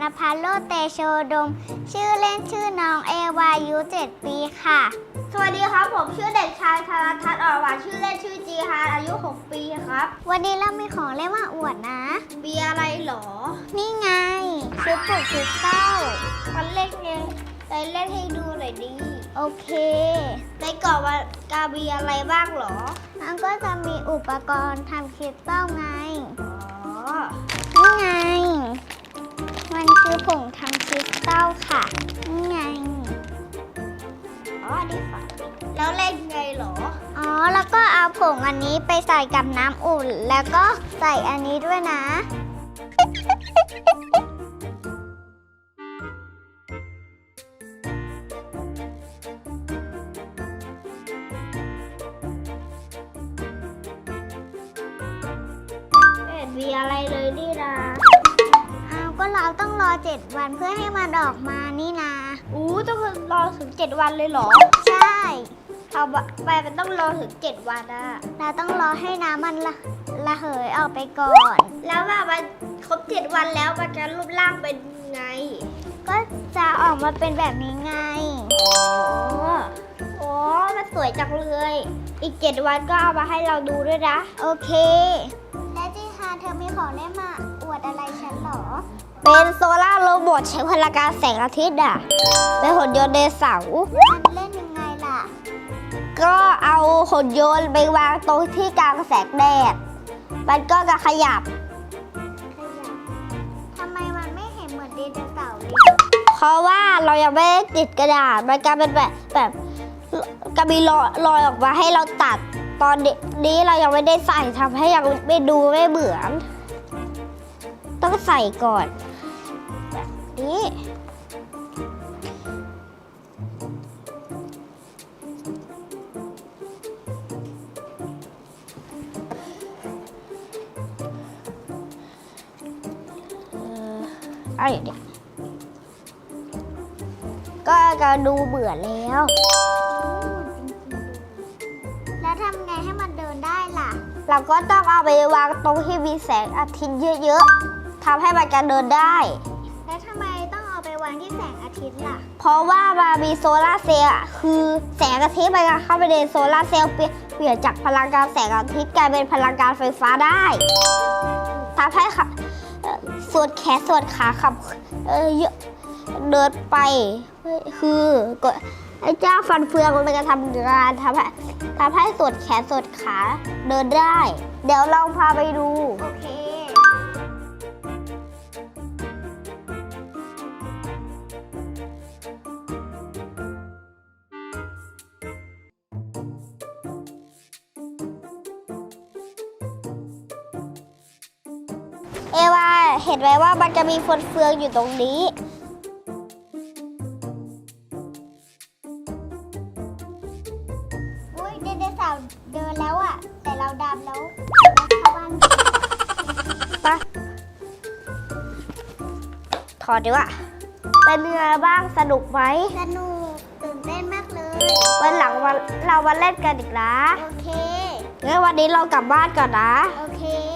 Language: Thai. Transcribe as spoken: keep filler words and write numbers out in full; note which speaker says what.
Speaker 1: ภัสโลเตโชดมชื่อเล่นชื่อน้องเอวาอายุเจ็ดปีค่ะ
Speaker 2: สวัสดีครับผมชื่อเด็กชายธารทัศน์อ่อนหวานชื่อเล่นชื่อจีฮานอายุหกปีครับ
Speaker 1: วันนี้เรามีของเล่นมาอวดนะ
Speaker 2: มีอะไรหรอ
Speaker 1: นี่ไงชุดปลูกคริสตัล
Speaker 2: มันเล่นไงไปเล่นให้ดูหน่อยดิ
Speaker 1: โอเค
Speaker 2: ในกล่องมันกามีอะไรบ้างหรอ
Speaker 1: มันก็จะมีอุปกรณ์ทำคริสตัลไง
Speaker 2: อ๋อ
Speaker 1: นี่ไงมันคือผงทำคริสตัลค่ะนี่ไง
Speaker 2: อ๋อดีค่ะแล้วเล่นไงหรอ
Speaker 1: อ๋อแล้วก็เอาผงอันนี้ไปใส่กับน้ำอุ่นแล้วก็ใส่อันนี้ด้วยนะ
Speaker 2: มีอะไรเลยนี่นะ
Speaker 1: อ้าวก็เราต้องรอเจ็ดวันเพื่อให้มันออกมานี่นะ
Speaker 2: อู้ต้องรอถึงเจ็ดวันเลยเหรอ
Speaker 1: ใช่
Speaker 2: เอาไปมันต้องรอถึงเจ็ดวันอะ
Speaker 1: เราต้องรอให้น้ำมันละระเหยออกไปก่อน
Speaker 2: แล้วว่ามันครบเจ็ดวันแล้วมันจะรูปร่างเป็นไง
Speaker 1: ก็จะออกมาเป็นแบบนี้ไง
Speaker 2: อ๋อโอ้มันสวยจังเลยอีกเจ็ดวันก็เอามาให้เราดูด้วยนะ
Speaker 1: โอเคและจีฮาเธอมีของเล่นมาอวดอะไรฉันหรอ
Speaker 2: เป็นโซล่าโรบอทใช้พลังงานแสงอาทิตย์อ่ะเป็นหุ่นยนต์ไดโนเสาร์
Speaker 1: มันเล่นยังไงล่ะ
Speaker 2: ก็เอาหุ่นยนต์ไปวางตรงที่กลางแสงแดดมันก็จะขยับ
Speaker 1: ขยับทำไมมันไม่เห็นเหมือนไดโนเสาร์เลย
Speaker 2: เพราะว่าเรายังไม่ได้ติดกระดาษมันกลายเป็นแบบแบบกระบี่ลอยลอยออกมาให้เราตัดตอนนี้เรายังไม่ได้ใส่ทำให้ยังไม่ดูไม่เหมือนต้องใส่ก่อนแบบนี้อะไรเนี่ยก็จะดูเบื่อแล้ว
Speaker 1: แล้วทำไงให้มันเดินได้ล่ะ
Speaker 2: เราก็ต้องเอาไปวางตรงที่มีแสงอาทิตย์เยอะๆทำให้มันการเดินได้
Speaker 1: แล้วทำไมต้องเอาไปวางที่แสงอาทิตย์ล่ะ
Speaker 2: เพราะว่ามันมีโซลาร์เซลล์คือแสงอาทิตย์มันเข้าไปในโซลาร์เซลล์เปลี่ยนจากพลังงานแสงอาทิตย์กลายเป็นพลังงานไฟฟ้าได้ทำให้ส่วนแขนส่วนขาขับเเดินไปคือไอ้เจ้าฟันเฟืองมันจะทำงานทำให้ทำให้ส่วนแขนส่วนขาเดินได้เดี๋ยวเราพาไปดู
Speaker 1: โอเค
Speaker 2: เอวาเห็นไหมว่ามันจะมีฟันเฟืองอยู่ตรงนี้
Speaker 1: อุ้ยไดโนเสาร์เดินแล้วอ่ะแต่เราดำแล้วเข้าบ้าน
Speaker 2: ไปถอดดีกว่าเป็นยังไงบ้างสนุกไหม
Speaker 1: สนุกตื่นเต้นมากเลย
Speaker 2: วันหลังวันเรามาเล่นกันอีกนะ
Speaker 1: โอเค
Speaker 2: งั้นวันนี้เรากลับบ้านก่อนนะ
Speaker 1: โอเค